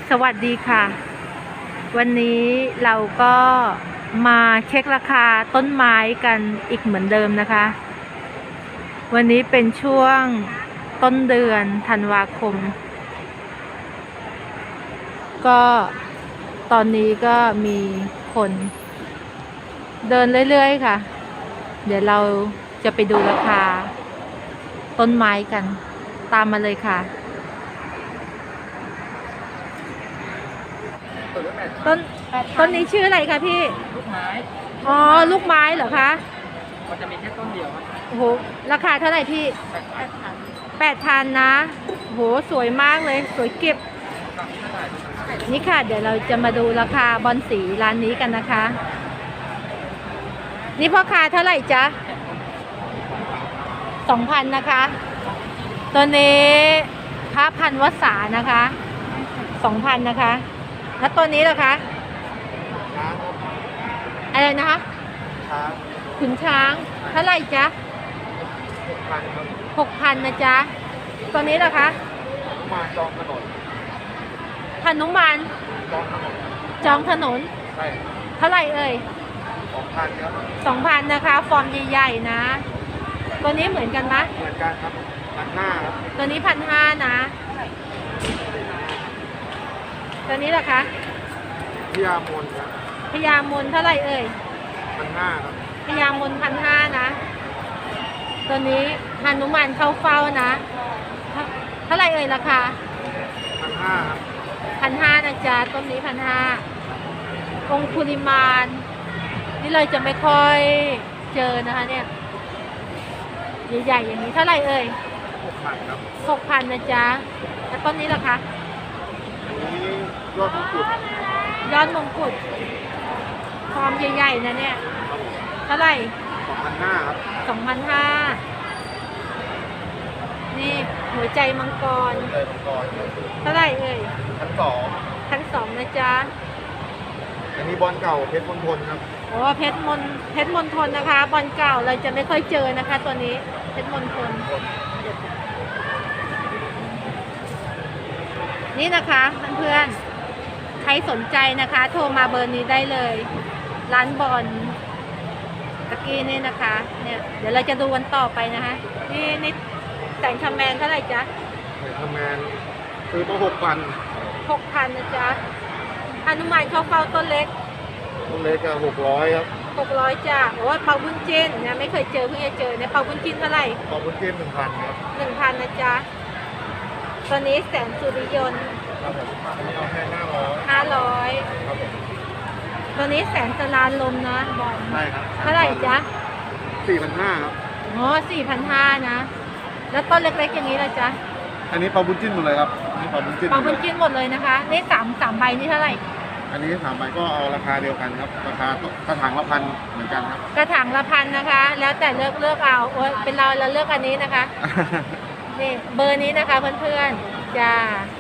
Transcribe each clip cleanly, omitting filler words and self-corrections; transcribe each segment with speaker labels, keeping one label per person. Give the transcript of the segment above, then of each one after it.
Speaker 1: สวัสดีค่ะวันนี้เราก็มาเช็คราคาต้นไม้กันอีกเหมือนเดิมนะคะวันนี้เป็นช่วงต้นเดือนธันวาคมก็ตอนนี้ก็มีคนเดินเรื่อยๆค่ะเดี๋ยวเราจะไปดูราคาต้นไม้กันตามมาเลยค่ะต้นนี้ชื่ออะไรคะพี่
Speaker 2: ลูกไม้
Speaker 1: อ๋อลูกไม้เหรอคะ
Speaker 2: มันจะมีแค่ต้นเดียวครับ
Speaker 1: โอ้โหราคาเท่าไหร่พี่8,000นะโอ้โหสวยมากเลยสวยเก็บนี่ค่ะเดี๋ยวเราจะมาดูราคาบอนสีร้านนี้กันนะคะนี่พ่อค้าเท่าไหร่จ๊ะ2,000นะคะตัวนี้พระพันวสานะคะ2,000นะคะแล้วตัวนี้ล่ะคะอะไรนะคะขุนช้างเท่าไหร่จ๊ะ6,000นะจ๊ะตัวนี้ล่ะคะ
Speaker 2: มาจองถนน
Speaker 1: หนุมานจองถนนเท่าไหร่เอ่ย
Speaker 2: 2,000ครับ
Speaker 1: 2,000นะคะฟอร์มใหญ่ๆนะตัวนี้เหมือนกันไหม
Speaker 2: เหมือนกันครับ1,500ครับ
Speaker 1: ตัวนี้1,500นะตัวนี้ล่ะคะ
Speaker 2: พญามนครับ
Speaker 1: พญามนเท่าไหร่เอ่ย
Speaker 2: 1,500ครับ
Speaker 1: พญามน1,500นะตัวนี้หนุมานเข้าเฝ้านะเท่าไหร่เอ่ยราคา
Speaker 2: 1,500ครับ
Speaker 1: 1,500นะจ๊ะต้นนี้1,500องคุลิมานนี่เราจะไม่ค่อยเจอนะคะเนี่ยใหญ่ๆอย่างนี้เท่าไหร่เอ่ย
Speaker 2: 6,000ครับ
Speaker 1: 6,000นะจ๊ะแล้วต้นนี้ล่ะคะ
Speaker 2: อันนี้ยอดมงกุฎ
Speaker 1: ยอดมงกุฎฟอร์มใหญ่ๆนะเนี่ยเท่าไหร่
Speaker 2: 2,500ครับ
Speaker 1: 2,500นี่หัวใจมังกรเท่าไหร่เอ่ย1,200นะจ๊ะ
Speaker 2: อันนี้บอลเก่าเพชรมณฑลครับ
Speaker 1: โอ้เพชรมณฑลนะคะบอลเก่าเราจะไม่ค่อยเจอนะคะตัวนี้เพชรมณฑลนี่นะคะเพื่อนๆใครสนใจนะคะโทรมาเบอร์นี้ได้เลยร้านบอลตะกี้นี่นะคะเนี่ยเดี๋ยวเราจะดูวันต่อไปนะคะนี่แสงคำแมนเท่าไหร่จ๊ะ
Speaker 2: แสงคำแมนซื้อมา
Speaker 1: 6,000นะจ๊ะหนุมานเข้าเฝ้าต้นเล็ก
Speaker 2: ก็600ครับ
Speaker 1: 600จ้ะโอ้เปาบุญจินเนี่ยไม่เคยเจอเพิ่งจะเจอเนี่ยเปาบุญจินเท่าไหร่
Speaker 2: เปาบุญจิน1,000ครับ
Speaker 1: 1,000นะจ๊ะตัวนี้แสงสุริยนต์
Speaker 2: ครับผมอันนี้เอาแค่
Speaker 1: 500
Speaker 2: ครับผม
Speaker 1: ตัวนี้แสงจรานลมนะบอล
Speaker 2: ใช่ครับ
Speaker 1: เท่าไหร่จ๊ะ
Speaker 2: 4,500ครับ
Speaker 1: อ๋อ4,500นะแล้วต้นเล็กๆอย่างนี้ล่ะจ๊ะ
Speaker 2: อันนี้เปาบุญจินหมดเลยครับนี่เปาบุญจิน
Speaker 1: หมดเลยนะคะนี่3ใบนี่เท่าไหร่
Speaker 2: อันนี้3ใบก็เอาราคาเดียวกันครับราคากระถางละ1,000เหมือนกันครับ
Speaker 1: กระถางละ1,000นะคะแล้วแต่เลือกเอาโอ้ยเป็นเราเลือกอันนี้นะคะนี่เบอร์นี้นะคะเพื่อนๆจ้า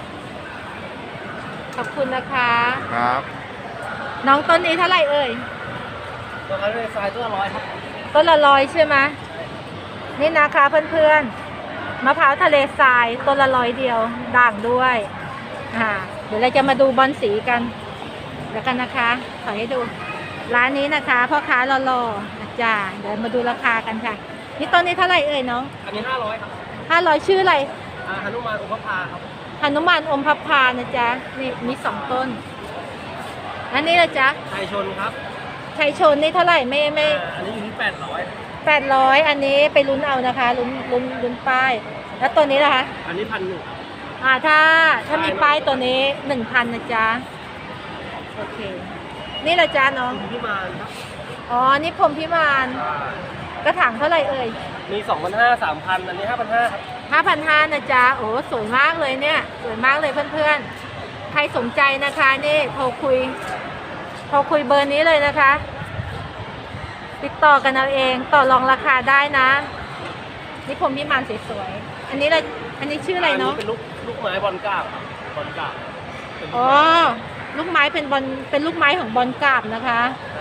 Speaker 1: ขอบคุณนะคะ
Speaker 2: ครับ
Speaker 1: น้องต้นนี้เท่าไหร่เอ่ย
Speaker 2: ต้นละทรายต้นละ100ครับ
Speaker 1: ต้นละ100ใช่ไหมนี่นะคะเพื่อนๆมะพร้าวทะเลทรายต้นละ100เดียวด่างด้วยเดี๋ยวเราจะมาดูบอลสีกันแล้วกันนะคะขอให้ดูร้านนี้นะคะพ่อค้ารอๆจ้าเดี๋ยวมาดูราคากันค่ะนี่ต้นนี้เท่าไหร่เอ่ยน้อง
Speaker 2: อันนี้500ครับ
Speaker 1: 500ชื่ออะไร
Speaker 2: หนุมานอมพพาครับ
Speaker 1: หนุมานอมพพานะจ๊ะนี่มี2ต้นอันนี้ละจ๊ะ
Speaker 2: ชัยชนครับ
Speaker 1: ชัยชนนี่เท่าไหร่ไม่
Speaker 2: อันนี้อยู่ที่
Speaker 1: 800อันนี้ไปลุ้นเอานะคะลุ้นป้ายแล้วตัวนี้ล่ะคะ
Speaker 2: อันนี้1,100
Speaker 1: ถ้ามีป้ายตัวนี้ 1,000นะจ๊ะโอเคนี่ละจ๊ะน้อง
Speaker 2: พิมานครับ
Speaker 1: อ๋อนี่พรมพิมานกระถางเท่าไหร่เอ่ย
Speaker 2: มี2,500 3,000อันนี้5,500ครับ
Speaker 1: 5,500นะจ๊ะโอ้สวยมากเลยเนี่ยสวยมากเลยเพื่อนๆใครสนใจนะคะนี่โทรคุยเบอร์นี้เลยนะคะติดต่อกันเอาเองต่อรองราคาได้นะนี่พรมพิมานสวยๆอันนี้ชื่ออะไรเนาะ
Speaker 2: เป็นลูกไม้บอลกาบ
Speaker 1: อ๋อลูกไม้เป็นลูกไม้ของบอลกาบนะคะ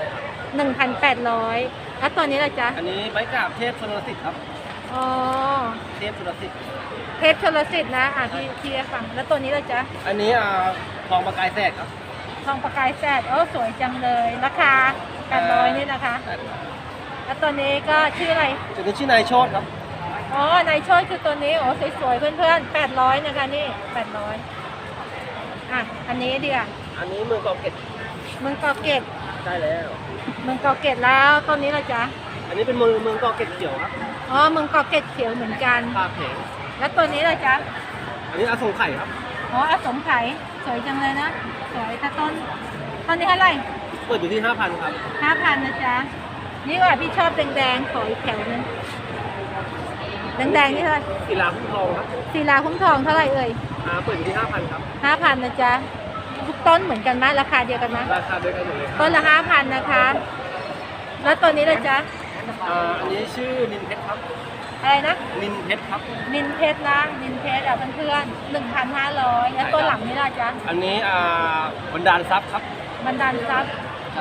Speaker 1: 1,800แล้วตัวนี้ล่ะจ๊ะ
Speaker 2: อันนี้ไม้กาบเทพสุรสิทธิ์ครับ
Speaker 1: อ๋อ
Speaker 2: เทพสุรสิทธิ์
Speaker 1: เทพชลสิทธิ์นะพี่ฟังแล้วตัวนี้เราจะ
Speaker 3: อันนี้ทองประกายแสกครับ
Speaker 1: ทองประกายแสดสวยจังเลยราคา800นี่นะคะ แล้วตัวนี้ก็ชื่ออะไร
Speaker 3: ตัวนี้ชื่อนายโชตครับ
Speaker 1: อ๋อนายโชยคือตัวนี้โอ้สวยๆเพื่อนๆ800นะคะนี่800อันนี้ดีอ่ะ
Speaker 3: อันนี้เมืองเกาะเกร็ด
Speaker 1: เมืองเกาะเกร็ด
Speaker 3: ได้แล้ว
Speaker 1: เมืองเกาะเกร็ดแล้วตัวนี้เราจะ
Speaker 3: อันนี้เป็นเมืองเกาะเกร็ดเขียวครับ
Speaker 1: อ๋อเมืองเกาะเกร็ดเขียวเหมือนกัน
Speaker 3: ปลาแข็ง
Speaker 1: แล้วตัวนี้เราจะ
Speaker 3: อันนี้อสงไข่ครับ
Speaker 1: อ๋ออสมไขยสวยจังเลยนะสวยแต่ต้นนี้เท่าไหร่
Speaker 3: เปิดอยู่ที่ 5,000 ครับ
Speaker 1: 5,000นะจ๊ะนี่ว่าพี่ชอบแดงๆขออีกแถวนึงแดงๆนี่เท่าไหร่
Speaker 3: กีฬาคุ้มทองครับ
Speaker 1: ศิลาคุ้มทองเท่าไหร่เอ่ย
Speaker 3: เปิดอยู่ที่ 5,000 ครับ
Speaker 1: 5,000นะจ๊ะทุกต้นเหมือนกันไหมราคาเดียวกันไหม
Speaker 3: ราคาเดียวกันหมดเลยครับ
Speaker 1: ต้นละ5,000นะคะ แล้วตัวนี้เลยจ๊ะ
Speaker 3: อันนี้ชื่อนินเพชรครับ
Speaker 1: อะไรนะ
Speaker 3: นินเพชรครับ
Speaker 1: นินเพชรนะนินเพชรเพื่อนๆ1,500แล้วตัวหลังนี่ล่ะจ๊ะ
Speaker 3: อันนี้บรรดาลทรัพย์ครับ
Speaker 1: บรรดาลทรัพย์
Speaker 3: ใช่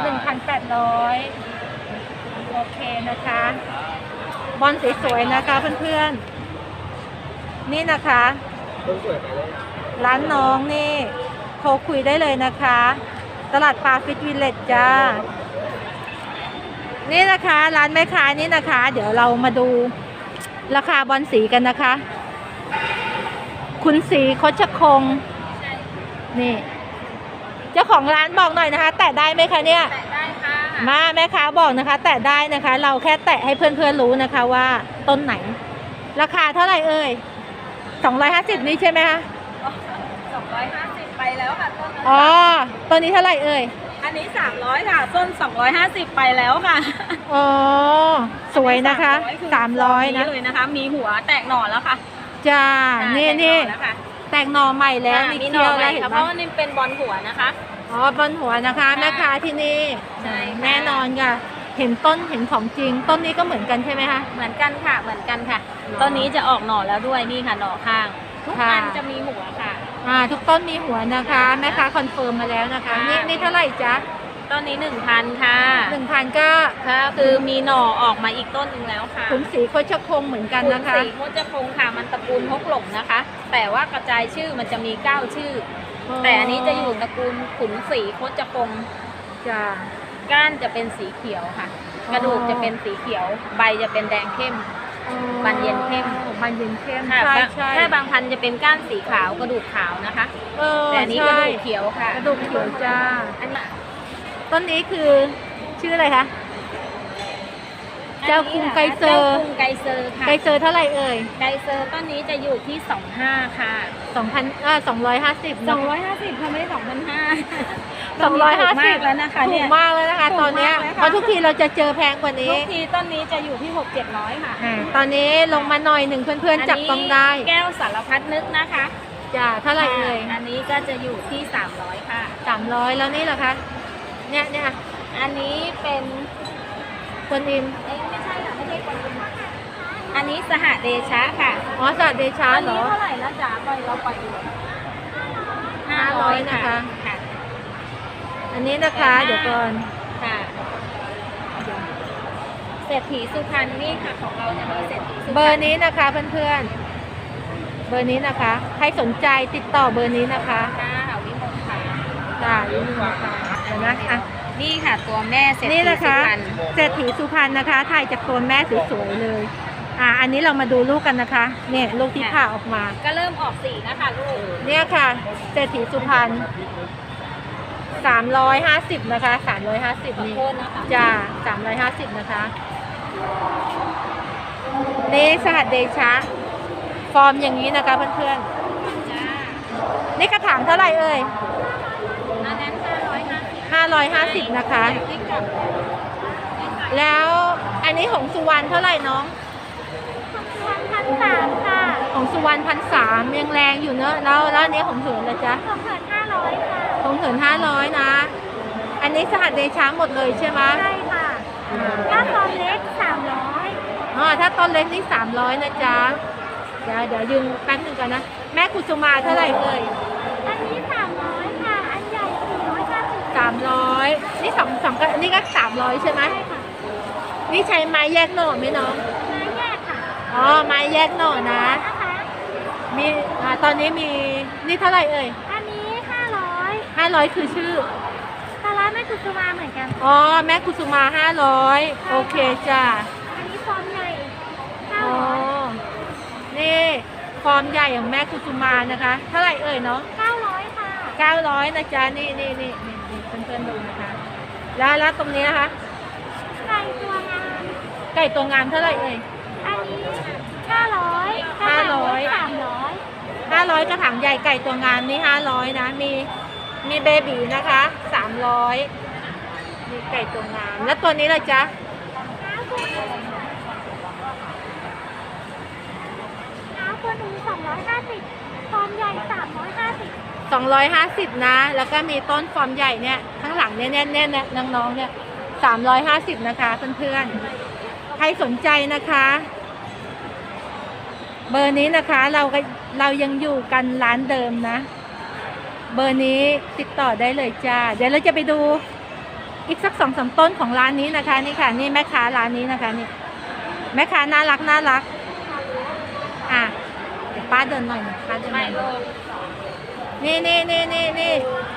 Speaker 1: 1,800โอเคนะคะบอลสวยๆนะคะเพื่อนๆนี่นะคะ
Speaker 3: ต้นสวยไปเลย
Speaker 1: ร้านน้องนี่โทรคุยได้เลยนะคะ ตลาดปลาฟิตวิลเลจจ้านี่นะคะร้านแม่ค้านี่นะคะ เดี๋ยวเรามาดูราคาบอลสีกันนะคะ คุณสีคชคงนี่เจ้าของร้านบอกหน่อยนะคะ แตะได้ไหมคะเนี่ย
Speaker 4: แตะได้ค่ะ
Speaker 1: มาแม่ค้าบอกนะคะ แตะได้นะคะ เราแค่แตะให้เพื่อนๆรู้นะคะว่าต้นไหน ราคาเท่าไหร่เอ่ย250นี่ใช่ไหมคะ
Speaker 4: 250ไปแล้วค่ะต้นนั้น
Speaker 1: อ๋อตัวนี้เท่าไหร่เอ่ย
Speaker 4: อันนี้300ค่ะต้น250ไปแล้วค่ะ
Speaker 1: อ๋อสวยนะคะ
Speaker 4: คือ
Speaker 1: 300นะ
Speaker 4: เลยนะคะ มีหัวแตกหน่อแล้วค่ะ
Speaker 1: จ้านี่
Speaker 4: แตกห
Speaker 1: นี่
Speaker 4: อแล้วค่ะ
Speaker 1: แตกหน่อใหม่แล้ว
Speaker 4: มี
Speaker 1: มี
Speaker 4: หน่
Speaker 1: เคี้
Speaker 4: อ
Speaker 1: ยว
Speaker 4: ให
Speaker 1: แล้
Speaker 4: ม่
Speaker 1: วเห็น
Speaker 4: ค่ะ
Speaker 1: ไห
Speaker 4: เพ
Speaker 1: ม
Speaker 4: ราะว่านี่เป็นบอลหัวนะคะ
Speaker 1: อ๋อบนหัวนะคะ
Speaker 4: ใช่
Speaker 1: แม่ค้าที่นี่
Speaker 4: ใช่ค่ะ
Speaker 1: แน่นอนค่ะเห็นต้นเห็นของจริง ต้นนี้ก็เหมือนกันใช่ไหมคะ
Speaker 4: เหมือนกันค่ะ เหมือนกันค่ะ
Speaker 1: หรอ
Speaker 4: ต้นนี้จะออกหน่อแล้วด้วยนี่ค่ะหน่อข้าง ทุก
Speaker 1: ค่ะ
Speaker 4: อันจะมีหัวค่ะ
Speaker 1: ทุกต้นมีหัวนะคะแม่ค้าคอนเฟิร์มมาแล้วนะคะ
Speaker 4: ค่ะ
Speaker 1: นี่เท่าไหร่จ๊ะ
Speaker 4: ต้นนี้1,000ค่ะ
Speaker 1: 1,000ก็
Speaker 4: ค่ะคือมีหน่อออกมาอีกต้นหนึ่งแล้วค่ะ
Speaker 1: ขุนสีโคชคงเหมือนกันนะคะ
Speaker 4: สีโคจะคงค่ะมันตระกูลฮกหลงนะคะ แต่ว่ากระจายชื่อมันจะมี9ชื่อ แต่อันนี้จะอยู่ตระกูลขุนศรีโคจคง
Speaker 1: จ้า
Speaker 4: ก้านจะเป็นสีเขียวค่ะ
Speaker 1: อ๋อ
Speaker 4: กระดูกจะเป็นสีเขียว ใบจะเป็นแดงเข้ม บานเย็นเข้ม
Speaker 1: บานเย็นเข้ม
Speaker 4: ค่ะ
Speaker 1: ใช่ใช่
Speaker 4: ถ้าบางพันธุ์จะเป็นก้านสีขาวกระดูกขาวนะคะ แต่อันนี้กระ
Speaker 1: ใช่
Speaker 4: ดูกเขียวค่ะ
Speaker 1: กระดูกเขียวจ้า
Speaker 4: อันนี้
Speaker 1: ต้นนี้คือชื่ออะไรคะ เจ้าคุงไกเซอร์
Speaker 4: เจ้าคุงไกเซอร์ค่ะ
Speaker 1: ไกเซอร์เท่าไหร่เอ่ย
Speaker 4: ไกเซอร์ต้นนี้จะอยู่ที่25ค่ะ
Speaker 1: 250
Speaker 4: 250ค่ะไม่ได้2,500
Speaker 1: 250
Speaker 4: แล้วนะคะ
Speaker 1: ถู
Speaker 4: เนี่
Speaker 1: ก
Speaker 4: ย
Speaker 1: มากแล้วนะคะ
Speaker 4: ถูก
Speaker 1: ตอนเนี้ย
Speaker 4: มากเลยค่ะ
Speaker 1: เพราะทุกทีเราจะเจอแพงกว่า
Speaker 4: ทุ
Speaker 1: นี้
Speaker 4: กทีต้นนี้จะอยู่ที่600-700ค่ะ
Speaker 1: ตอนนี้ลงมาหน่อยหนึ่งเพื่อนๆจับต้องได้
Speaker 4: แก้วสารพัดนึกนะคะ
Speaker 1: จ้าเท่าไหร่เอ่ย
Speaker 4: อันนี้ก็จะอยู่ที่300ค่ะ
Speaker 1: 300แล้วนี่เหรอคะเนี่ย
Speaker 4: อันนี้เป็น
Speaker 1: กวนอิม
Speaker 4: ไม่ใช่ค่ะไม่ใช่คนอื่นอันนี้สหเดชะค่ะ
Speaker 1: อ๋อสัตว์เดชา
Speaker 4: อัน
Speaker 1: เหร
Speaker 4: นี้
Speaker 1: อ
Speaker 4: เท่าไหร่นะจ๊ะเราปล่อยอยู่
Speaker 1: 500นะคะ
Speaker 4: ค่ะ
Speaker 1: อันนี้นะคะ เดี๋ยวก่อน
Speaker 4: ค่ะเศรษฐีสุพรรณนี่ค่ะของเราจะมีเศรษฐีสุพรรณ
Speaker 1: เบอร์นี้นะคะเพื่อนๆเบอร์นี้นะคะ ใครสนใจติดต่อเบอร์นี้นะคะ
Speaker 4: ค่ะวิมลค่ะ
Speaker 1: จ้าอยู่นี่นะคะเดี๋ยวนะอ่ะ
Speaker 4: นี่ค่ะตัวแม่เศรษฐี
Speaker 1: นี่
Speaker 4: สุ
Speaker 1: นะคะ
Speaker 4: พรรณ
Speaker 1: เศรษฐีสุพรรณนะคะ ถ่ายจากตัวแม่สวยๆเลย อันนี้เรามาดูลูกกันนะคะ เนี่ยลูกที่ผ่าออกมา
Speaker 4: ก็เริ่มออกสีนะคะลูก
Speaker 1: เนี่ยค่ะ เศรษฐีสุพรรณ350นะคะ350นี่
Speaker 4: ขอโทษนะคะ
Speaker 1: จ้า350นะคะนี่สหัสเดชะ ฟอร์มอย่างนี้นะคะเพื่อน
Speaker 4: จ้า
Speaker 1: ๆ นี่กระถางเท่าไหร่เอ่ย
Speaker 4: อันนั้น550
Speaker 1: 550นะคะ
Speaker 4: นี่กับ
Speaker 1: แล้วอันนี้ของสุวรรณเท่าไหร่น้อง
Speaker 4: 1,300ค่ะ
Speaker 1: ของสุวรรณ1,300ยังแรงอยู่เนอะแล้วอันนี้ของเหินละจ๊ะ
Speaker 4: ของเหิน500ค่ะ
Speaker 1: ของเหิน500นะ อันนี้สหัสเดชะหมดเลยใช่ไหม
Speaker 4: ใช่ค่ะถ้าตอนเล็ก300
Speaker 1: ถ้าต้นเล็กนี่300นะจ๊ะเดี๋ยวยืนแป๊บหนึงก่อนนะ แม่กุสุมาเท่าไหร่เอ่ย
Speaker 4: อันนี้300ค่ะ อันใหญ่450
Speaker 1: 300นี่สองก็นี่ก็300ใช่ไหม
Speaker 4: ใช่ค่ะ
Speaker 1: นี่ใช้ไม้แยกหน่อไหมน้อง
Speaker 4: ไม้แยกค่ะ
Speaker 1: อ๋อไม้แยกหน่อนะ
Speaker 4: นะคะ
Speaker 1: มีตอนนี้มีนี่เท่าไหร่เอ่ย
Speaker 5: อันนี้500
Speaker 1: 500คือชื่อ
Speaker 5: ปลาร้าแม่กุสุมาเหมือนกัน
Speaker 1: อ๋อแม่กุสุมา500โอเคจ้ะ
Speaker 5: อันนี้ฟอร์มใหญ่
Speaker 1: อ๋อนี่ฟอร์มใหญ่ของแม่กุสุมานะคะเท่าไหร่เอ่ยเนาะ
Speaker 5: 900ค่ะ
Speaker 1: 900นะจ๊ะนี่เพื่อนๆดูนะคะแล้วตรงนี้นะคะ
Speaker 5: ไก่ตัวงาม
Speaker 1: ไก่ตัวงามเท่าไหร่เอ่ย
Speaker 5: อันนี้500
Speaker 1: 500กระถางใหญ่ไก่ตัวงามนี่500นะมีเบบีนะคะ300มีไก่ตัวงามแล้วตัวนี้ล่ะจ๊ะ
Speaker 5: น้ำตัวหนึ่ง250ฟอร์มใหญ่350
Speaker 1: 250นะแล้วก็มีต้นฟอร์มใหญ่เนี่ยข้างหลังเนี่ยน้องๆเนี่ย350นะคะเพื่อนๆใครสนใจนะคะ เบอร์นี้นะคะเรายังอยู่กันร้านเดิมนะ เบอร์นี้ติดต่อได้เลยจ้าเดี๋ยวเราจะไปดูอีกสัก2-3ต้นของร้านนี้นะคะนี่ค่ะนี่แม่ค้าร้านนี้นะคะนี่แม่ค้าน่ารักอ่ะเดี๋ยวป้าเดินหน่อยป้าเดินหน่อยนี่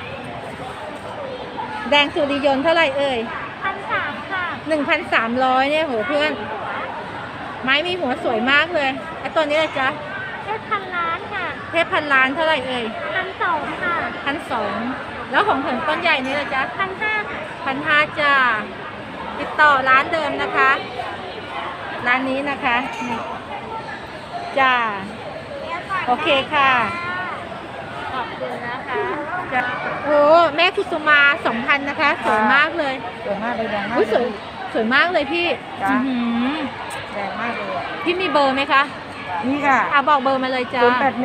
Speaker 1: แดงสุริยนต์เท่าไหร่เอ่ย
Speaker 5: 1,300ค่ะ
Speaker 1: 1,300เนี่ยโหเพื่อนไม้มีหัวสวยมากเลยไอ้ตัวนี้เลยจ๊ะ
Speaker 5: เพชรพันล้านค่ะ
Speaker 1: เทพพันล้านเท่าไหร่เอ่ย
Speaker 5: 1,200ค่ะ
Speaker 1: 1,200แล้วของเหินต้นใหญ่นี่เลยจ๊ะ
Speaker 5: 1,500
Speaker 1: 1,500จ้าติดต่อร้านเดิมนะคะ ร้านนี้นะคะนี่จ้าโอเคค่ะ
Speaker 5: ขอบคุณนะคะ
Speaker 1: จ้าโอ้แม่คุสุมา2,000นะคะสวยมากเลย
Speaker 6: สวยมากเลยแดงมาก
Speaker 1: อุ้ยสวยมากเลยพี่
Speaker 6: จ้ะ
Speaker 1: อื้อหือ
Speaker 6: แดงมากเลย
Speaker 1: พี่มีเบอร์ไหมคะ
Speaker 6: นี่ค่ะ
Speaker 1: บอกเบอร์มาเลยจ้า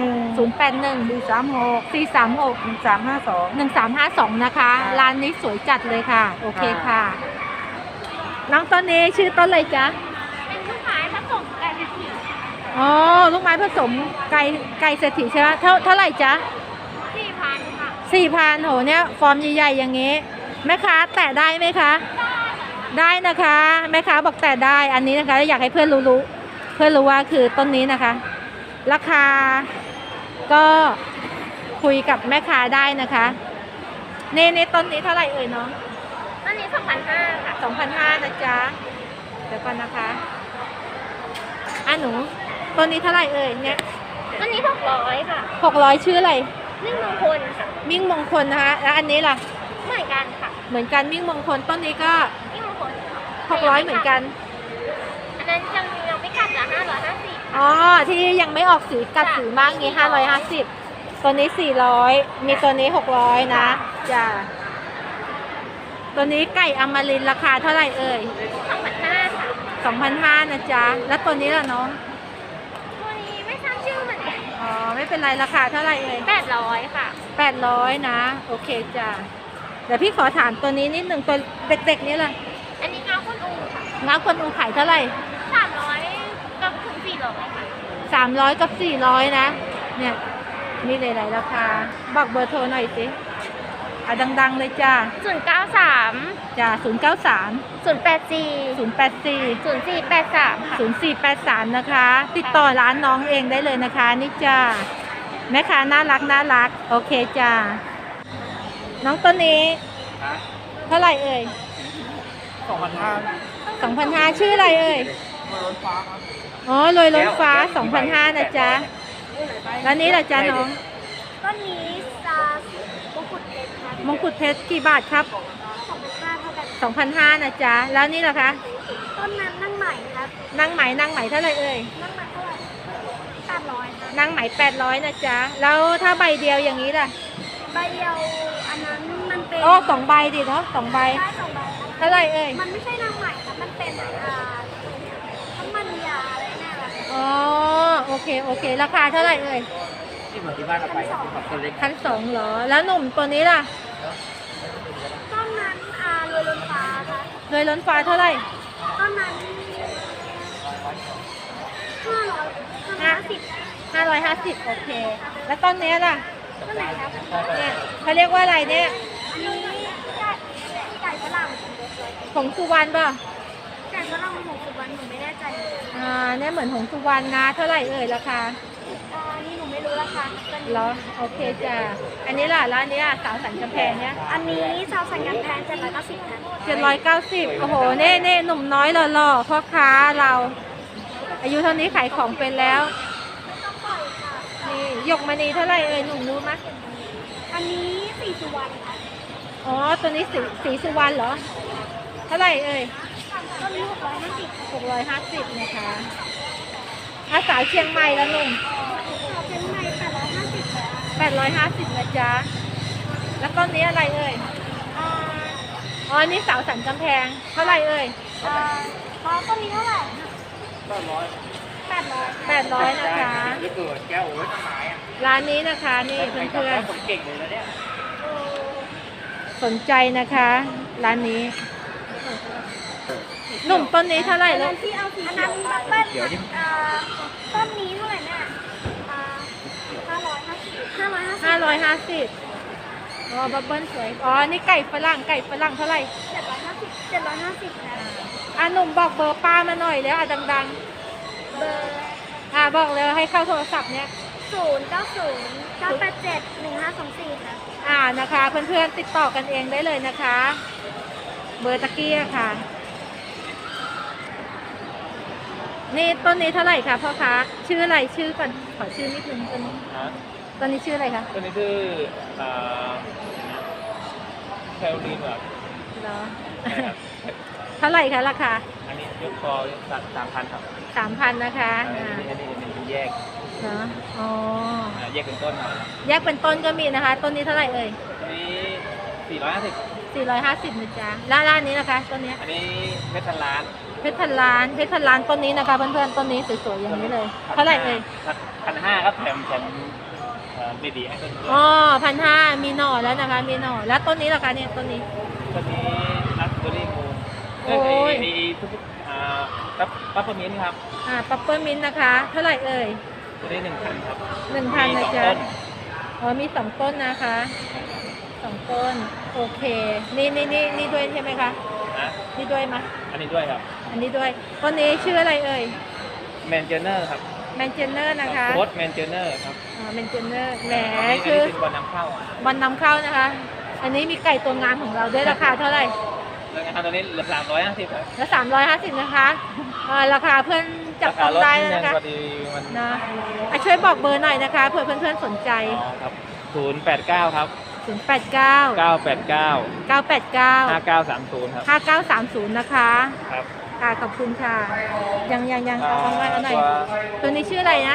Speaker 6: 081
Speaker 1: 081
Speaker 6: 436
Speaker 1: 436
Speaker 6: 1352
Speaker 1: 1352นะคะ
Speaker 6: ค่ะ
Speaker 1: ร้านนี้สวยจัดเลยค่ะ โอเค
Speaker 6: ค่ะ
Speaker 1: ค่ะ น้องต้นนี้ชื่อต้นอะไรจ๊ะ
Speaker 5: เป็นลูกไม้ผสมไก่กะทิ
Speaker 1: อ๋อ ลูกไม้ผสมไก่เศรษฐีใช่ไหมเท่าไหร่จ๊ะ
Speaker 5: 4,000ค่ะ
Speaker 1: 4,000โหเนี่ยฟอร์มใหญ่ๆอย่างงี้แม่ค้าแตะได้ไหมคะ ได้นะคะแม่ค้าบอกแตะได้อันนี้นะคะอยากให้เพื่อนรู้ว่าคือต้นนี้นะคะ ราคาก็คุยกับแม่ค้าได้นะคะในต้นนี้เท่าไหร่เอ่ยน้อง
Speaker 5: อันนี้2,500ค่ะ
Speaker 1: 2,500นะจ๊ะเดี๋ยวก่อนนะคะหนูต้นนี้เท่าไหร่เอ่ยเนี่ย
Speaker 5: อันนี้600ค่ะ
Speaker 1: 600ชื่ออะไร
Speaker 5: นึ่งมงคลค่ะ
Speaker 1: มิ่งมงคลนะคะแล้วอันนี้ล่ะ
Speaker 5: เหมือนกันค่ะ
Speaker 1: เหมือนกันมิ่งมงคลต้นนี้ก็
Speaker 5: มิ่งมงคล
Speaker 1: 600เหมือนกัน
Speaker 5: อันนั้นยังไม่กัดละ550
Speaker 1: อ๋อที่ยังไม่ออกสีกัดสีมากงี้550ตัวนี้400มีตัวนี้600นะจ้ะตัวนี้ไก่อมรินทร์ราคาเท่าไหร่เอ่ย
Speaker 5: 2,500ค่ะ
Speaker 1: 2,500นะจ๊ะแล้วตัวนี้ล่ะน้อง
Speaker 5: ตัวนี้ไม่ทราบชื่อเหมือนกัน
Speaker 1: อ๋อไม่เป็นไรราคาเท่าไหร่เอ่ย
Speaker 5: 800ค่ะ
Speaker 1: 800นะโอเคจ้ะเดี๋ยวพี่ขอถามตัวนี้นิดหนึ่งตัวเด็กๆนี้ล่ะ
Speaker 5: อันนี้งาคนอูค่ะ
Speaker 1: ง้าคนอูขายเท่าไหร่
Speaker 5: 300กับถึง400ค่ะ
Speaker 1: 300กับ400นะเนี่ยมีหลายๆราคาบอกเบอร์โทรหน่อยสิเอาดังๆเลยจ้า
Speaker 5: 093
Speaker 1: จ้า093
Speaker 5: 084
Speaker 1: 084
Speaker 5: 0483ค่ะ
Speaker 1: 0483นะคะ ติดต่อร้านน้องเองได้เลยนะคะนี่จ้าแม่ค้าน่ารักโอเคจ้าน้องต้นนี้เท่าไหร่เอ่ย 2,500ชื่ออะไรเอ่ยอ๋อลอยล้นฟ้า 2,500นะจ๊ะแล้วนี้ล่ะจ๊ะน้อง
Speaker 5: ต้นนี้มงกุฎเพชรครับ
Speaker 1: มงกุฎเพชรกี่บาทครับ
Speaker 5: 2,500เท่ากัน
Speaker 1: 2,500นะจ๊ะแล้วนี่ล่ะคะ
Speaker 5: ต้นนั้นนั่งใหม่ครับ
Speaker 1: นางไหมเท่าไหร่เอ่ย
Speaker 5: นั่งใหม่เท่าไหร่800ครับ
Speaker 1: นางไหม800นะจ๊ะแล้วถ้าใบเดียวอย่างนี้ล่ะ
Speaker 5: ใบเดียวอันนั้นมันเป็น
Speaker 1: โอ้2ใบดิเนาะ2ใบ
Speaker 5: ได้2ใบครับ
Speaker 1: เท่าไหร่เอ่ย
Speaker 5: มันไม่ใช่นางใหม่ครับ มันเป็นน้ำมันยาอะไรแน่ละ
Speaker 1: อ๋อโอเคราคาเท่าไหร่เอ่ย
Speaker 3: ที่เหมือนที่บ้านเราไปกับคนเล็ก
Speaker 1: 1,200เหรอแล้วหนุ่มตัวนี้ล่ะ
Speaker 5: ต้นนั้นรวยล้นฟ้าครับ
Speaker 1: เลยล้นฟ้าเท่าไหร่
Speaker 5: ต้นนั้น550
Speaker 1: 550โอเค แล้วต้นนี้ล่ะ
Speaker 5: ต้นไหนครับ
Speaker 1: เนี่ยเขาเรียกว่าอะไรเนี่ย
Speaker 5: อันนี้ไก่ฝรั่ง
Speaker 1: ผงสุวรรณป่ะ
Speaker 5: ไก่ฝรั่งของสุวรรณหนูไม่แน่ใจ
Speaker 1: เนี่ยเหมือนผงสุวรรณนะเท่าไหร่เอ่ยราคา
Speaker 5: อันนี้หนูไม่รู้ค่ะตัวนี้
Speaker 1: เหรอโอเคจ้ะอันนี้ล่ะร้านนี้สาวสันกำแพงเนี่ย
Speaker 5: อันนี้ชาวสันกำแพง790ค่ะ
Speaker 1: 790โอ้โหเน่หนุ่มน้อยหล่อๆพ่อค้าเรา อายุเท่านี้ขายของเป็นแล้วนี่หยกมณีเท่าไหร่เอ่ยหนุ่มรู้ไหม
Speaker 5: อันนี้4 สุวรรณค่ะ
Speaker 1: อ๋อตัวนี้สีสุวรรณเหรอเท่าไหร่เอ่ย
Speaker 5: ต้นนี้650
Speaker 1: 650นะคะสาวเชียงใหม่แล้วหนุ่ม
Speaker 5: เชียงใหม่850ค่ะ
Speaker 1: 850นะจ๊ะแล้วต้นนี้อะไรเอ่ย
Speaker 5: อ่า
Speaker 1: อ๋อนี่สาวสันกำแพงเท่าไหร่เอ่ย
Speaker 5: ต้นนี้เท่าไหร่
Speaker 3: 800
Speaker 1: 800นะคะ
Speaker 3: หรือเกิดแก้วโอ้ยต้นไม้อะ
Speaker 1: ร้านนี้นะคะนี่เพื่อน
Speaker 3: ผมเก่งเลยนะเนี่ย
Speaker 1: ๆสนใจนะคะร้านนี้หนุ่มต้นนี้เท่าไหร่
Speaker 5: อัน
Speaker 1: ลู
Speaker 5: นั้
Speaker 1: ก
Speaker 5: นที่เอาสีอันนั้นบับเบิ้ล
Speaker 3: เดี๋ยวนี่
Speaker 5: ต้นนี้เท่าไหร่แม่550
Speaker 1: อ๋อบับเบิ้ลสวยอ๋อนี่ไก่ฝรั่งเท่าไหร่
Speaker 5: 750ค่ะ
Speaker 1: หนุ่มบอกเบอร์ป้ามาหน่อยแล้วดัง
Speaker 5: เบอร์
Speaker 1: ๆบอกเลยให้เข้าโทรศัพท์เนี่ย
Speaker 5: 0909871524ค่ะ
Speaker 1: นะคะเพื่อนๆติดต่อกันเองได้เลยนะคะ เบอร์ตะกี้อะค่ะ นี่ต้นนี้เท่าไหร่คะพ่อคะชื่ออะไรชื่อก่อนขอชื่อนิดนึงต้นนี้ชื่ออะไรคะ
Speaker 3: ตัวนี้คือแคลรีนแบบ
Speaker 1: เหรอ เท่าไหร่คะราคา
Speaker 3: อันนี้ยกคอ3,000 ครับ
Speaker 1: 3,000นะคะ
Speaker 3: อันนี้เป็นแยก
Speaker 1: เนาะอ๋อ
Speaker 3: แยกเป็นต้นมา
Speaker 1: แยกเป็นต้นก็มีนะคะ ต้นนี้เท่าไหร่เอ่ย
Speaker 3: อันนี้
Speaker 1: 450
Speaker 3: 450
Speaker 1: นะจ๊ะแล้วร้านนี้นะคะต้นนี้
Speaker 3: อันนี้เพชรพันล้าน
Speaker 1: เพชรพันล้านต้นนี้นะคะเพื่อนๆต้นนี้สวยๆอย่างนี้เลย เท่าไหร่เอ่ย
Speaker 3: 1,500ครับแถมเบบีให้ต้นด้วย
Speaker 1: อ๋อ1,500มีหน่อแล้วนะคะ มีหน่อแล้วต้นนี้ล่ะคะเนี่ยต้นนี้
Speaker 3: ตัวนี้รัสเบอร์รี่มูน
Speaker 1: โอ้ย
Speaker 3: ทุกปั๊บเปอร์มินต์ครับ
Speaker 1: ปัปเปอร์มินต์นะคะ เท่าไหร่เอ่ย
Speaker 3: ตัวนี้1,000ครับ
Speaker 1: 1,000
Speaker 3: มี
Speaker 1: นะ
Speaker 3: สอง
Speaker 1: จ๊ะ
Speaker 3: ต้น
Speaker 1: อ๋อมี2 ต้นนะคะ2 ต้นโอเคนี่ด้วยใช่ไหมคะ
Speaker 3: นะ
Speaker 1: นี่ด้วยไหม
Speaker 3: อันนี้ด้วยครับ
Speaker 1: อันนี้ด้วยต้นนี้ชื่ออะไรเอ่ย
Speaker 3: แมนเจเนอร์ครับ
Speaker 1: แมนเจเนอร์นะคะ
Speaker 3: โค้ดแมนเจเนอร์ครับ
Speaker 1: แมนเจเนอร์แหม
Speaker 3: อันนี้
Speaker 1: ชื่อ
Speaker 3: เป็นวันนำเข้า
Speaker 1: บอลนำเข้านะคะ อันนี้มีไก่ตัวงามของเราด้วยราคาเท่าไหร่
Speaker 3: แล้วงานตัวนี้เหลือ350ครับ
Speaker 1: แล้ว350นะคะราคาเพื่อนจับ
Speaker 3: รา
Speaker 1: ต้
Speaker 3: คา
Speaker 1: อง
Speaker 3: ลด
Speaker 1: ได้
Speaker 3: นิดนึ
Speaker 1: นะ
Speaker 3: ง
Speaker 1: คะ
Speaker 3: พอดีมัน
Speaker 1: นะช่วยบอกเบอร์หน่อยนะคะเผื่อเพื่อนๆสนใจ
Speaker 3: อ๋อครับ089ครับ
Speaker 1: 089
Speaker 3: 989
Speaker 1: 989
Speaker 3: 5930ครับ
Speaker 1: 5930นะคะ
Speaker 3: ครับ
Speaker 1: ค่ะขอบคุณค่ะยังเอาไว้เอาหน่อยตัวนี้ชื่ออะไรนะ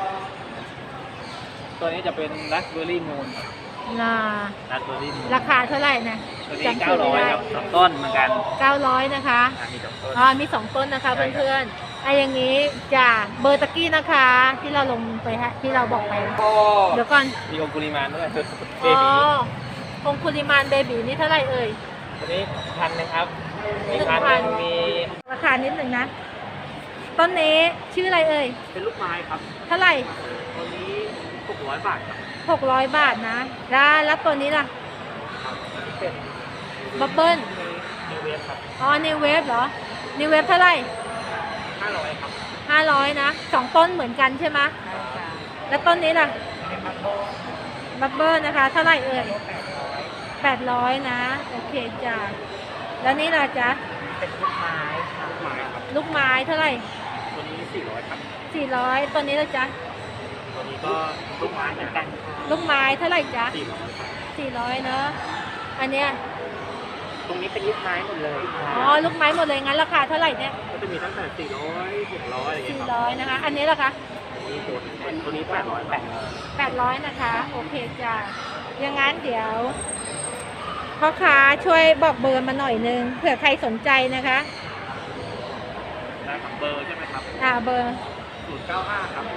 Speaker 3: ตัวนี้จะเป็นรัสเบอร์รี่มูน
Speaker 1: น่า
Speaker 3: รัสเบอร์รี่มูน
Speaker 1: ราคาเท่าไหร่นะ
Speaker 3: ตัวนี้
Speaker 1: จำชื่อไม่ได้
Speaker 3: 900ครับสองต้นเหมือนกัน
Speaker 1: 900นะคะ
Speaker 3: มีสองต้น
Speaker 1: มี2 ต้นนะคะ
Speaker 3: ใช่ครับ
Speaker 1: เพื่อนๆอย่างนี้จ้ะเบอร์ตะกี้นะคะ ที่เราลงไปฮะที่เราบอกไป เดี๋ยวก่อน
Speaker 3: มีองคุลิมานด้วยเบ
Speaker 1: อ๋อ
Speaker 3: บี
Speaker 1: องคุลิมานเบบีนี่เท่าไหร่เอ่ย
Speaker 3: ตัวนี้1,000นะครับมี
Speaker 1: 1,000
Speaker 3: มี
Speaker 1: ราคานิดหนึ่งนะ ต้นนี้ชื่ออะไรเอ่ย
Speaker 3: เป็นลูกไม้ครับ
Speaker 1: เท่าไหร่
Speaker 3: ตัวนี้600 บาทครับ
Speaker 1: 600 บาทนะ แล้วตัวนี้ล่ะ
Speaker 3: เป็น
Speaker 1: บับเบิ้ล
Speaker 3: นิวเวฟครับ
Speaker 1: อ๋อนิวเวฟเหรอนิวเวฟเท่าไหร่
Speaker 3: 500ครับ
Speaker 1: 500นะ2 ต้นเหมือนกันใช่ไหมแล้วต้นนี้ล่ะบับเบิ้ลนะคะ เท่าไหร่เอ่ย800นะโอเคจ้ะแล้วนี่ล่ะจ๊ะ
Speaker 3: เป็นลูกไม้ครับไม้ครับ
Speaker 1: ลูกไม้เท่าไหร่
Speaker 3: ตัวนี้400ครับ
Speaker 1: 400ตัวนี้ล่ะจ๊ะ
Speaker 3: ตัวนี้ก็ลูกไม้เหมือนกัน
Speaker 1: ลูกไม้เท่าไหร่จ๊ะ
Speaker 3: 400
Speaker 1: 400เนอะอันเนี้ย
Speaker 3: ตรงนี้เป็นลูกไม้หมดเลย
Speaker 1: อ๋อลูกไม้หมดเลยงั้นราคาเท่าไหร่เนี่ย
Speaker 3: ก็จะมีตั้งแต่400 600อะไรอย่างเงี้ยครับ
Speaker 1: 400นะคะ อันนี้ล่ะคะ
Speaker 3: ตัวนี้800
Speaker 1: 800นะคะโอเคจ้ะอย่างงั้นเดี๋ยวพ่อค้าช่วยบอกเบอร์มาหน่อยนึงเผื่อใครสนใจนะคะ
Speaker 3: ได้ครับเบอร์ใช่ไหมครับ
Speaker 1: เบอร์
Speaker 3: 095ครับ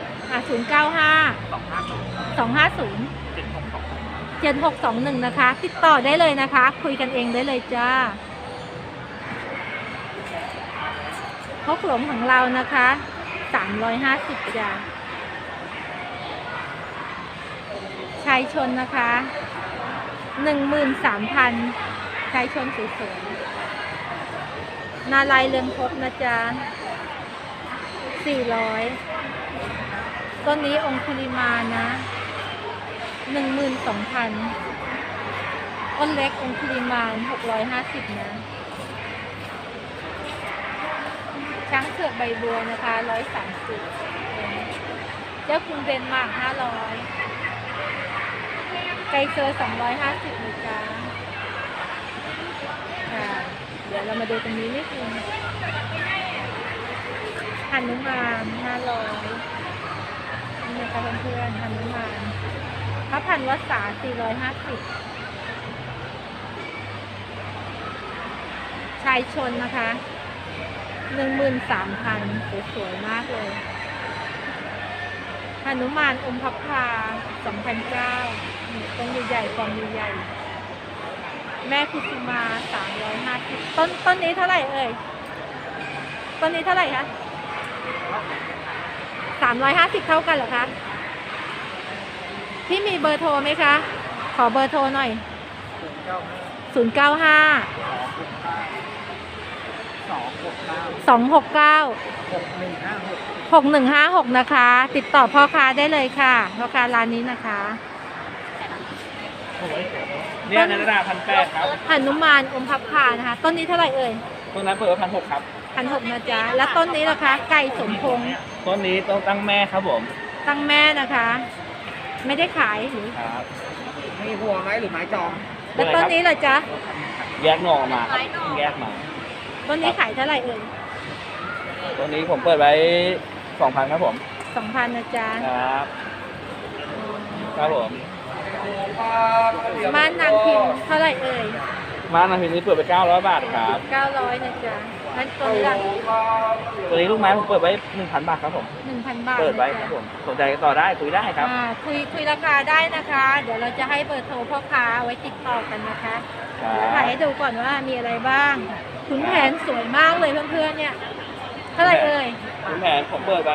Speaker 1: 095
Speaker 3: 250
Speaker 1: 250
Speaker 3: 762
Speaker 1: 7621นะคะ ติดต่อได้เลยนะคะ คุยกันเองได้เลยจ้าพกหลงของเรานะคะ350จ้าชายชนนะคะ13,000ชายชนสวยๆนาลายเรืองภพนะจ๊ะ400ต้นนี้องคุลิมานนะ 12,000อ้นเล็กองคุลิมาน650นะช้างเผือกใบบัวนะคะ130เจ้าคุณเดนมาร์ก500ไกเซอร์250นะจ๊ะเดี๋ยวเรามาดูตรงนี้นิดนึงหนุมาน500นี่นะคะเพื่อนๆหนุมานพระพันวษา450ชายชนนะคะ13,000สวยๆมากเลยหนุมานอมพับพา2,900ต้นใหญ่ๆฟอร์มใหญ่ๆแม่คุสุมา350ต้นนี้เท่าไหร่เอ่ยต้นนี้เท่าไหร่คะ350เท่ากันเหรอคะพี่มีเบอร์โทรไหมคะขอเบอร์โทรหน่อย095 269 6156นะคะ ติดต่อพ่อค้าได้เลยค่ะพ่อค้าร้านนี้นะคะ
Speaker 3: เนี่ยในระดับ1,800ครับ
Speaker 1: หนุมานอมพับพานะคะต้นนี้เท่าไหร่เอ่ย
Speaker 3: ต้นนั้นเปิดไว้1,600ครับ
Speaker 1: 1,600นะจ๊ะแล้วต้นนี้ล่ะคะไก่สมพงษ์
Speaker 3: ต้นนี้ต้องตั้งแม่ครับผม
Speaker 1: ตั้งแม่นะคะ ไม่ได้ขายหรือ
Speaker 3: ครับ
Speaker 6: มีหัวไหมหรือไม้จอง
Speaker 1: แล้วต้นนี้ล่ะจ๊ะ
Speaker 3: แยกหน่อออกมาครับแยกมา
Speaker 1: ต้นนี้ขายเท่าไหร่เอ่ย
Speaker 3: ต้นนี้ผมเปิดไว้ 2,000ครับผม
Speaker 1: 2,000นะจ๊ะ
Speaker 3: ครับครับผม
Speaker 1: ม่านนางพิมพ์เท่าไหร่เอ่ย
Speaker 3: มานาพิมพ์นี้เปิดไป900 บาทครับ
Speaker 1: 900นะจ๊ะแล้วตัวนี้ล่ะ
Speaker 3: ตัวนี้ลูกไม้ผมเปิดไว้ 1,000 บาทครับผม
Speaker 1: 1,000 บาท
Speaker 3: เปิดไว้
Speaker 1: นะ
Speaker 3: ครั
Speaker 1: จ๊ะ
Speaker 3: บผมสนใจก็ต่อได้คุยได้ครับ
Speaker 1: คุยราคาได้นะคะ เดี๋ยวเราจะให้เบอร์โทรพ่อค้าไว้ติดต่อกันนะคะ
Speaker 3: ครับ
Speaker 1: ถ่ายให้ดูก่อนว่ามีอะไรบ้างขุนแผนสวยมากเลยเพื่อนๆเนี่ยเท่าไหร่เอ่ย
Speaker 3: คุณแผนผมเปิดไว้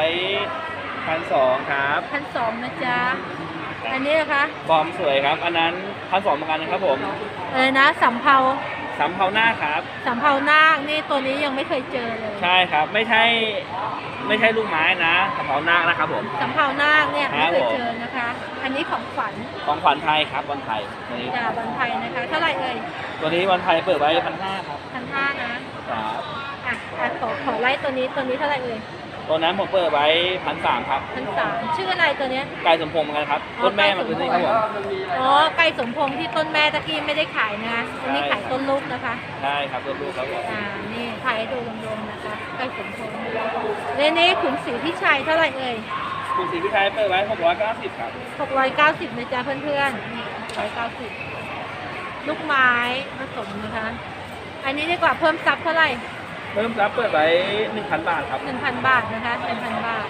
Speaker 3: 1,200 ครับ
Speaker 1: 1,200นะจ๊ะอันนี้นะคะ
Speaker 3: บอมสวยครับ อันนั้น 1,200เหมือนกันนะครับผม
Speaker 1: อะไรนะสำเภา
Speaker 3: สำเภาหน้าครับ
Speaker 1: สำเภานาคนี่ตัวนี้ยังไม่เคยเจอเลย
Speaker 3: ใช่ครับ ไม่ใช่ลูกไม้นะสำเภาหน้านะครับผม
Speaker 1: สำเภานาคเนี่ย
Speaker 3: ครั
Speaker 1: ไม่
Speaker 3: บ
Speaker 1: เคยเจอนะคะ อันนี้ของขวัญ
Speaker 3: ของขวัญไทยครับวันไทยตัวนี้
Speaker 1: จากวันไทยนะคะ เท่าไหร่เอ่ย
Speaker 3: ตัวนี้วันไทยเปิดไว้ 1,500 ครับ
Speaker 1: 1,500นะ
Speaker 3: ครับ
Speaker 1: ขอไล่ตัวนี้เท่าไหร่เอ่ย
Speaker 3: ตัวนั้นผมเปิดไว้ 1,300 ครับ
Speaker 1: 1,300ชื่ออะไรตัวเนี้ย
Speaker 3: ไก่สมพงษ์เหมือนกันครับต้นแม่มันคือนี่ครับผม
Speaker 1: อ๋อไก่สมพงษ์ที่ต้นแม่ตะกี้ไม่ได้ขายนะคะอันนี้ขายต้นลูกนะคะ
Speaker 3: ใช่ครับตัวลูกครับผม
Speaker 1: นี่ถ่ายให้ดูรวมๆนะคะไก่สมพงษ์เรนนี่ขุนศรีพิชัยเท่าไหร่เอ่ย
Speaker 3: คุณศรีพิชัยเปิดไว้690ครับ
Speaker 1: 690นะจ๊ะเพื่อนๆนี่690ลูกไม้ผสมนะคะ อันนี้ดีกว่าเพิ่มซับเท่าไหร่
Speaker 3: เริ่มรับเปิดไว้ 1,000 บาทครับ
Speaker 1: 1,000 บาทนะคะ 1,000 บาท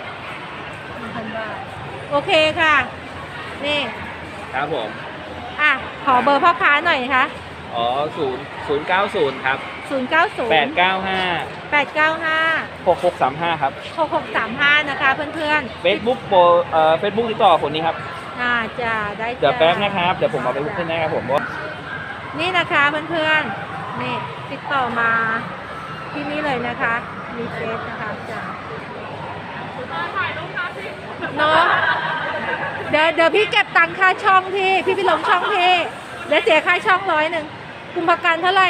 Speaker 1: 1,000 บาท โอเคค่ะ นี่
Speaker 3: ครับผม
Speaker 1: ขอเบอร์พ่อค้าหน่อยนะคะ
Speaker 3: อ๋อ090ครับ
Speaker 1: 090
Speaker 3: 895
Speaker 1: 895
Speaker 3: 6635ครับ
Speaker 1: 6635นะคะเพื่อนๆ
Speaker 3: Facebook Facebook ติดต่อคนนี้ครับ
Speaker 1: จ้าได้จ้า
Speaker 3: เดี๋ยวแป๊บนะครับ เดี๋ยวผมเอาไปขึ้นให้ครับผม
Speaker 1: นี่นะคะเพื่อนๆ นี่ติดต่อมาที่นี่เลยนะคะ มีเฟซนะคะจ้าถ่ายรูปครับพี่เนาะเดี๋ยวพี่เก็บตังค่าช่องพี่ไปลงช่องพี่เดี๋ยวเสียค่าช่อง100กุมภาพันธ์เท่าไหร่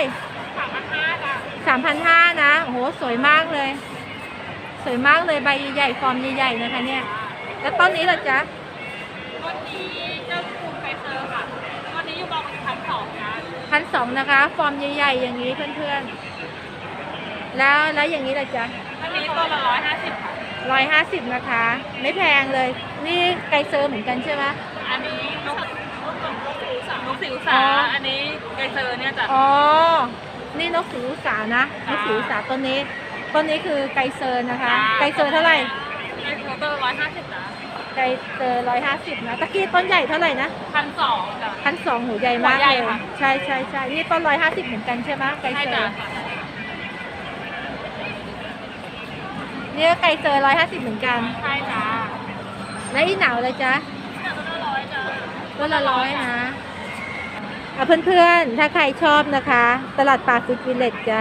Speaker 1: 3,500นะโอ้โหสวยมากเลย สวยมากเลยใบใหญ่ๆฟอร์มใหญ่ๆนะคะเนี่ยแล้วต้นนี้ล่ะจ๊ะ
Speaker 4: ต้นนี้เจ้าคุณไกเซอร์ค่ะต้นนี้อยู่ประมาณ1,200นะ
Speaker 1: 1,200นะคะ ฟอร์มใหญ่ๆอย่างนี้เพื่อนๆแล้วอย่างนี้ล่ะจ๊ะ
Speaker 4: อันนี้ต้นละ150ค่ะ
Speaker 1: 150นะคะ ไม่แพงเลย นี่ไกเซอร์เหมือนกันใช่ไหม
Speaker 4: อันนี้นกสิวสาอันนี้ไกเซอร์เนี่ยจ้ะ
Speaker 1: อ๋อ นี่นกสีอุสานะ นกสีอุสาต้นนี้คือไกเซอร์นะคะ ไกเซอร์เท่าไหร่
Speaker 4: ไกเซอร์ต้นละ150นะ
Speaker 1: ไกเซอร์150นะตะกี้ต้นใหญ่เท่าไหร่นะ
Speaker 4: 1,200จ้ะ
Speaker 1: 1,200หูใหญ่มาก
Speaker 4: หัวใหญ่
Speaker 1: เลย
Speaker 4: ค่ะ
Speaker 1: ใช่นี่ต้น150เหมือนกันใช่ไหมไก
Speaker 4: ใช่
Speaker 1: เซอ
Speaker 4: จ้ะ
Speaker 1: ร์เนี่ยไกเซอร์150เหมือนกัน
Speaker 4: ใช่จ้ะ
Speaker 1: แล้วอีหนาวเลยจ๊ะ
Speaker 4: ต้นละ100จ้ะ
Speaker 1: ต้นละ100นะเพื่อนๆ ถ้าใครชอบนะคะ ตลาดปากฟุตวิลเลจจ้า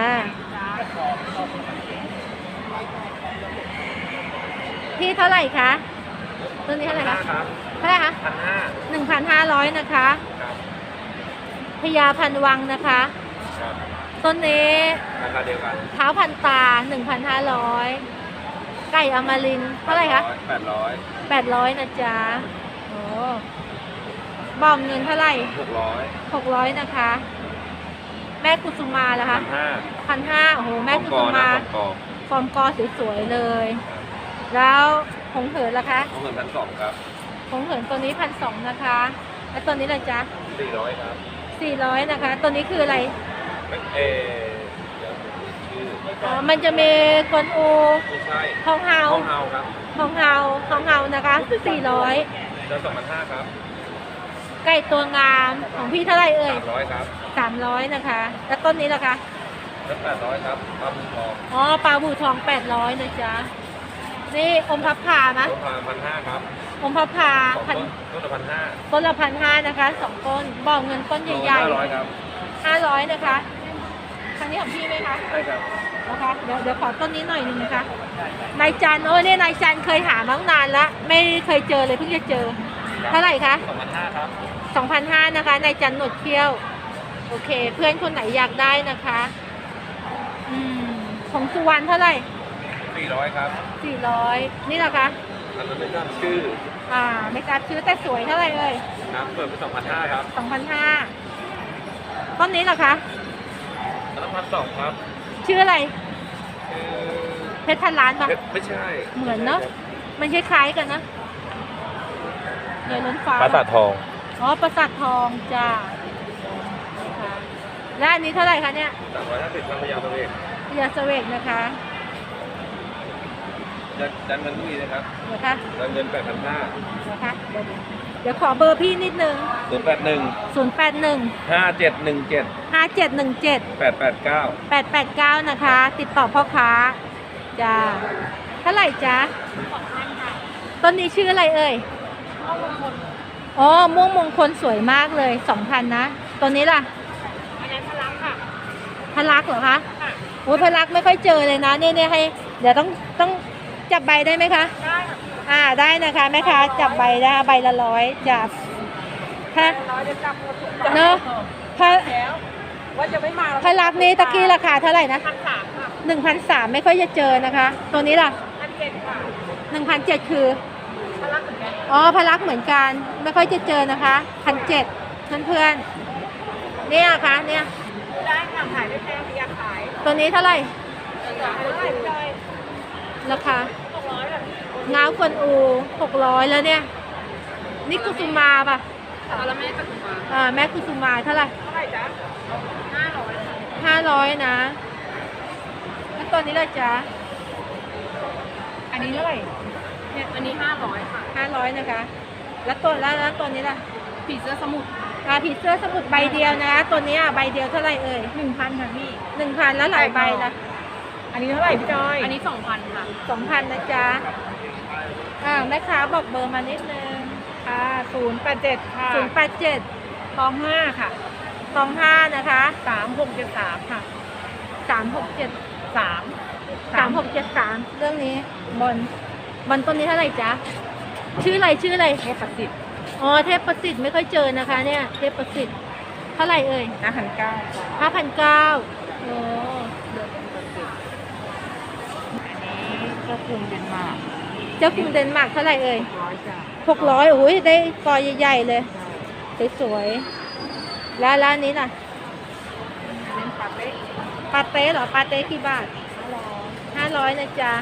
Speaker 1: พี่เท่าไหร่คะต้นนี้เท่าไหร่คะ
Speaker 3: ครับ
Speaker 1: ท่าไหร่คะ
Speaker 3: 1,500
Speaker 1: 1,500 นะคะ
Speaker 3: ครับ
Speaker 1: พญาพันวังนะคะ
Speaker 3: ครับ
Speaker 1: ต้นนี้
Speaker 3: ราคาเดียวกัน
Speaker 1: เท้าพันตา 1,500 ไก่อมรินทร์เท่าไหร่คะ
Speaker 3: 800
Speaker 1: 800 นะจ๊ะโอ้บอมเงินเท่าไหร่
Speaker 3: 600
Speaker 1: 600 นะคะ แม่กุสุมาเหรอคะ
Speaker 3: 1,500
Speaker 1: 1,500 โอ้โห แม่กุสุมา ฟอร์มกอสวยๆเลย แล้วหงเหินล่ะคะ
Speaker 3: ของเงิน1,200 ครับ
Speaker 1: หงเหินตัวนี้1,200 นะคะ แล้วตัวนี้ล่ะจ๊ะ
Speaker 3: 400 ครับ
Speaker 1: 400 นะคะ ตัวนี้คืออะไร
Speaker 3: เเดี๋ยวชื่อ
Speaker 1: อ๋อ มันจะมีกวนอู
Speaker 3: ไม่ใช่
Speaker 1: ทองเฮา
Speaker 3: ห้องเฮาครับ
Speaker 1: ทองเฮาทองเฮานะคะ 400
Speaker 3: เดือน2,500 ครับ
Speaker 1: ไก่ตัวงามของพี่เท่าไหร่เอ่ย
Speaker 3: 300 ครับ
Speaker 1: 300 นะคะ แล้วต้นนี้ล่ะคะ
Speaker 3: แล้ว800 ครับปลาหมึกทอง
Speaker 1: อ๋อ ปลาบูทอง 800 นะจ๊ะ นี่อมพับพานะ
Speaker 3: ต้นพา1,500 ครับ
Speaker 1: อมพับพา
Speaker 3: สอง
Speaker 1: พัน
Speaker 3: ต้นละ1,500
Speaker 1: ต้นละ1,500 นะคะ2ต้นบอกเงินต้นใหญ่
Speaker 3: 500 ครับ
Speaker 1: ๆ500 นะคะทางนี้ของพี่ไหมคะ
Speaker 3: ใช่ครับ
Speaker 1: นะคะเดี๋ยวขอต้นนี้หน่อยหนึงนะคะนายจันโอ้เนี่ยนายจันเคยหามาตั้งนานแล้วไม่เคยเจอเลยเพิ่งจะเจอ เท่าไหร่คะ
Speaker 3: 2,500 ครับ
Speaker 1: 2,500 นะคะนายจันหนวดเขี้ยวโอเค เพื่อนคนไหนอยากได้นะคะของสุวรรณเท่าไหร่
Speaker 3: 400 ครับ
Speaker 1: 400นี่เหรอคะ
Speaker 3: อันนั้นไม่ทราบชื่อ
Speaker 1: ไม่ทราบชื่อแต่สวยเท่าไหร่เอ่ย
Speaker 3: ครับเปิดไป2,500 ครับ
Speaker 1: 2,500ต้นนี้เหรอคะ
Speaker 3: อันนั้น1,200 ครับ
Speaker 1: ชื่ออะไร
Speaker 3: ชื่อ
Speaker 1: เพชรพันล้านปะ
Speaker 3: ไม่ใช่
Speaker 1: เหมือนเนาะมันคล้ายๆกันนะเดี๋ยวล้นฟ้า
Speaker 3: ปราสาททอง
Speaker 1: อ๋อปราสาททองจ้าค่ะและอันนี้เท่าไหร่คะเนี่ย
Speaker 3: 350 พันพยาบาลเอก
Speaker 1: พญาเสวกนะคะ
Speaker 3: จันเงินมีนะครับ
Speaker 1: เดี๋ยวคะ
Speaker 3: จันเงิน 8,500
Speaker 1: เดี๋ยวคะเดี๋ยวขอเบอร์พี่นิดนึง
Speaker 3: 081
Speaker 1: 081
Speaker 3: 5717
Speaker 1: 5717
Speaker 3: 889
Speaker 1: 889นะคะ ติดต่อพ่อค้าจ้าเท่าไหร่จ๊ะต้นนี้ชื่ออะไรเอ่ยอ๋อม่วงมงคลสวยมากเลย 2,000 นะตัวนี้ล่ะ
Speaker 4: อันนั้นพลังค่ะ
Speaker 1: พลักเหรอคะโอ้ยพลักไม่ค่อยเจอเลยนะเนี่ยให้ เดี๋ยวต้องจับใบได้ไหมคะ
Speaker 4: ได้ค่ะ
Speaker 1: ได้นะคะแม่ค้าจับใบได้ใบละ100จับถ้า
Speaker 4: ร้อยจะจับหมดทุก
Speaker 1: เนาะถ้า
Speaker 4: แล้วว่าจะไม่มา
Speaker 1: พลักนี้ตะกี้ราคาเท่าไหร่นะ
Speaker 4: 1,300 ค่ะ
Speaker 1: 1,300ไม่ค่อยจะเจอนะคะ ตัวนี้ล่ะ
Speaker 4: 1,700 ค่ะ
Speaker 1: 1,700คือ
Speaker 4: พลังเหมือนกัน
Speaker 1: อ๋อพลักเหมือนกันไม่ค่อยจะเจอนะคะ1,700เพื่อนๆเนี่ยค่ะเนี่ย
Speaker 4: ได้ค่ะขายไม่แพงอยากขาย
Speaker 1: ตัวนี้เท่าไหร่
Speaker 4: ขายเท่าไหร่พี่จอย
Speaker 1: ราคา
Speaker 4: 600แบบ
Speaker 1: ง้าวกวนอู600แล้วเนี่ยนี่กุสุมาป่ะ
Speaker 4: เอาละแม่จะถูกมา
Speaker 1: แม่กุสุมาเท่าไหร่
Speaker 4: เท่าไหร่จ๊ะ500
Speaker 1: 500นะแล้วตัวนี้ล่ะจ๊ะ อันนี้เท่าไหร่
Speaker 4: เนี่ยอันนี้500ค่ะ
Speaker 1: 500นะคะ แล้วตัวนี้ล่ะ
Speaker 4: ผีเสื้อสมุทร
Speaker 1: ผีเสื้อสมุดใบเดียวนะตัวนี้ใบเดียวเท่าไหร่เอ่ย
Speaker 4: 1,000 ค่ะพี่
Speaker 1: 1,000แล้วหลายใบละ
Speaker 4: อันนี้เท่าไหร่พี่จอย อันนี้ 2,000 ค่ะ
Speaker 1: 2,000นะจ๊ะแม่ค้าบอกเบอร์มานิดนึง
Speaker 4: ค่ะ087 ค่ะ
Speaker 1: 087
Speaker 4: 25 ค่ะ
Speaker 1: 25นะคะ
Speaker 4: 3673 ค่ะ
Speaker 1: 367
Speaker 4: 3
Speaker 1: 3673เรื่องนี้บอลต้นนี้เท่าไหร่จ๊ะชื่ออะไร
Speaker 4: เทพประสิทธิ์
Speaker 1: อ๋อเทพประสิทธิ์ไม่ค่อยเจอนะคะเนี่ยเทพประสิทธิ์เท่าไหร่เอ่ย
Speaker 4: 5,900
Speaker 1: 5,900โอ้
Speaker 4: เจ้ากรุงเดนมาร์ก
Speaker 1: เจ้ากรุงเดนมาร์กเท่าไหร่เอ่ย
Speaker 4: 100 จ้ะ
Speaker 1: 600โอ้ยได้กอใหญ่ๆเลยสวยๆแล้วร้านนี้ล่ะ
Speaker 4: เป็นปาเต้
Speaker 1: ปาเต้เหรอปาเต้กี่บาท500นะจ๊ะ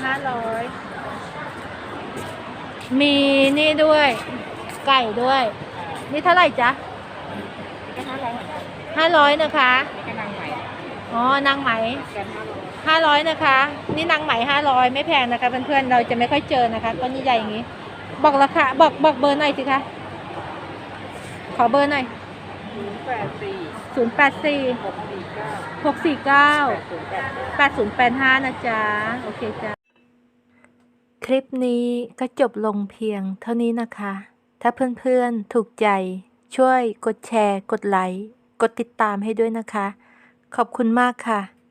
Speaker 1: 500มีนี่ด้วย ไก่ด้วย นี่เท่าไหร่จ๊ะ
Speaker 4: ก็500เหมือนกัน
Speaker 1: 500นะคะ
Speaker 4: นี่ก็นางใหม่
Speaker 1: อ๋อนางไหม
Speaker 4: แกน500
Speaker 1: 500นะคะ นี่นางไหม500ไม่แพงนะคะเพื่อนๆเราจะไม่ค่อยเจอนะคะต้นใหญ่ๆอย่างนี้ บอกราคาบอกเบอร์หน่อยสิคะขอเบอร์หน่อย
Speaker 4: 084
Speaker 1: 084
Speaker 4: 649
Speaker 1: 649 8085นะจ๊ะโอเคจ้ะคลิปนี้ก็จบลงเพียงเท่านี้นะคะ ถ้าเพื่อนๆถูกใจช่วยกดแชร์กดไลค์กดติดตามให้ด้วยนะคะขอบคุณมากค่ะ